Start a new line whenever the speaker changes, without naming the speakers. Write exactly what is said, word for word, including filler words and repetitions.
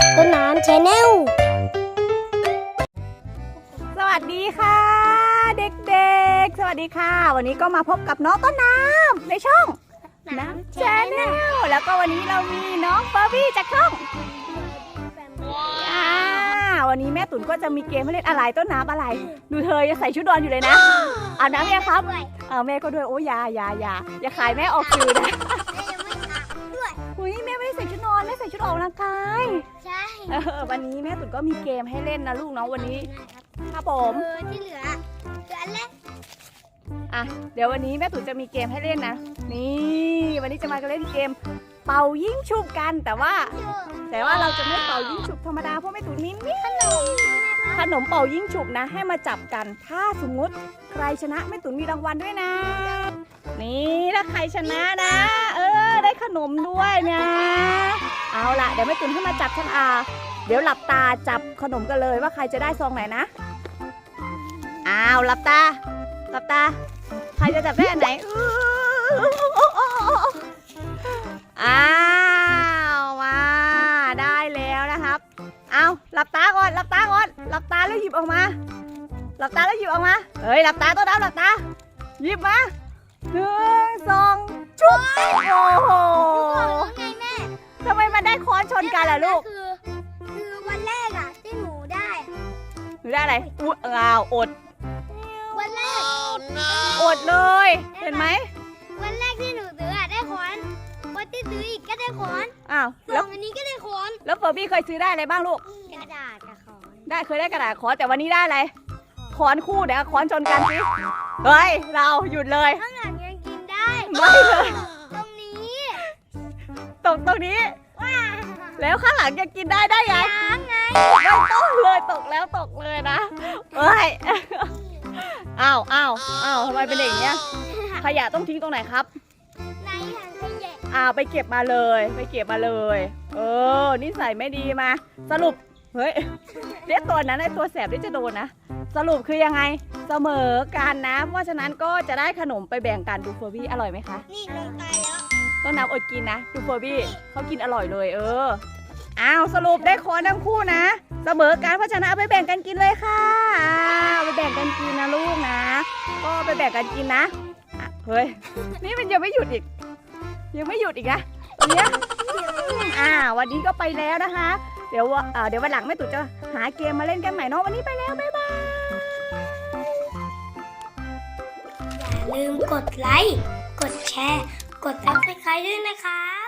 ต้นน้ำ Channel
สวัสดีค่ะเด็กๆสวัสดีค่ะวันนี้ก็มาพบกับน้องต้นน้ำในช่องน้ำ Channel แล้วก็วันนี้เรามีน้องเฟอร์บี้จากช่องอ่าวันนี้แม่ตุ๋นก็จะมีเกมให้เล่นอะไรต้นน้ำอะไรดูเธอยังใส่ชุดนอนอยู่เลยนะอาบน้ำยังครับเออแม่ก็ด้วยโอ้ยาอยาอยาอย่าขายแม่ออกสื่อนะอุ้ยแม่ไม่ได้ใส่ชุดนอนแม่ใส่ชุดออกกำลังกายใช่วันนี้แม่ตุ๋นก็มีเกมให้เล่นนะลูกน้องวันนี้ครับผม
ที่เหลือเหลือเล่น
อ่ะเดี๋ยววันนี้แม่ตุ๋นจะมีเกมให้เล่นนะนี่วันนี้จะมาเล่นเกมเป่ายิงฉุบกันแต่ว่าแต่ว่าเราจะไม่เป่ายิงฉุบธรรมดาเพราะแม่ตุ๋นมีนี่ขนมขนมเป่ายิงฉุบนะให้มาจับกันถ้าสมมติใครชนะแม่ตุ๋นมีรางวัลด้วยนะนี่ถ้าใครชนะนะเออได้ขนมด้วยนะเอาล่ะเดี๋ยวแม่ตุ๋นให้มาจับฉันอาเดี๋ยวหลับตาจับขนมกันเลยว่าใครจะได้ซองไหนนะอ้าวหลับตาหลับตาใครจะจับได้อันไหนอ้าวมาได้แล้วนะครับเอาหลับตาก่อนหลับตาก่อนหลับตาแล้วหยิบออกมาหลับตาแล้วหยิบออกมาเฮ้ยหลับตาตัวดำหลับตาหยิบมาหนึ่งสองชุบโอ้โหทำไมมันได้ค้อนชนกันล่ะลูก
คือคือวันแรกอะที่หนูได้
หนูได้อะไรอุ๊ยอ้าวอด
วันแรก
อดเลยเห็นไหม
วันแรกที่หนูซื้ออะได้ค้อนวันที่ซื้ออีกก็ได้ค้อน
อ้าว
แล้ววันนี้ก็ได้ค้อน
แล้วเฟอร์บี้เคยซื้อได้อะไรบ้างลูก
กระดาษกับค้อน
ได้เคยได้กระดาษค้อนแต่วันนี้ได้อะไรค้อนคู่เดี๋ยวค้อนชนกันสิเฮ้ยเราหยุดเลย
ข้างหลังยังกินได้
ไม่เลย
ตรงนี้
ตรงตรงนี้แล้วข้างหลังจะกินได้ได้ไง
ยังไง
ไม่ต้องเลยตกแล้วตกเลยนะเฮ้ยอ้าวอ้าวอ้าวทำไมเป็นอย่างเงี้ยขยะต้องทิ้งตรงไหนครับ
ในถังขยะ
อ้าวไปเก็บมาเลยไปเก็บมาเลยเออนิสัยไม่ดีมาสรุปเฮ้ยเรียกตัวนั้นไอ้ตัวแสบที่จะโดนนะสรุปคือยังไงเสมอกันนะเพราะฉะนั้นก็จะได้ขนมไปแบ่งกันดูเฟอร์บี้อร่อยไหมคะ
นี่ลงตายแล้ว
ต้นน้ำอดกินนะดูเฟอร์บี้เขากินอร่อยเลยเอออ้าวสรุปได้ค้อนทั้งคู่นะเสมอกันเพราะฉะนั้นเอาไปแบ่งกันกินเลยค่ะเอาไปแบ่งกันกินนะลูกนะก็ไปแบ่งกันกินนะเฮ้ยนี่มันยังไม่หยุดอีกยังไม่หยุดอีกนะตรงเนี้ยอ่าวันนี้ก็ไปแล้วนะคะเดี๋ยวเดี๋ยววันหลังแม่ตุ๋นจะหาเกมมาเล่นกันใหม่เนาะวันนี้ไปแล้วบ๊ายบาย
อย่าลืมกดไลค์กดแชร์กดซับสไครบ์ด้วยนะคะ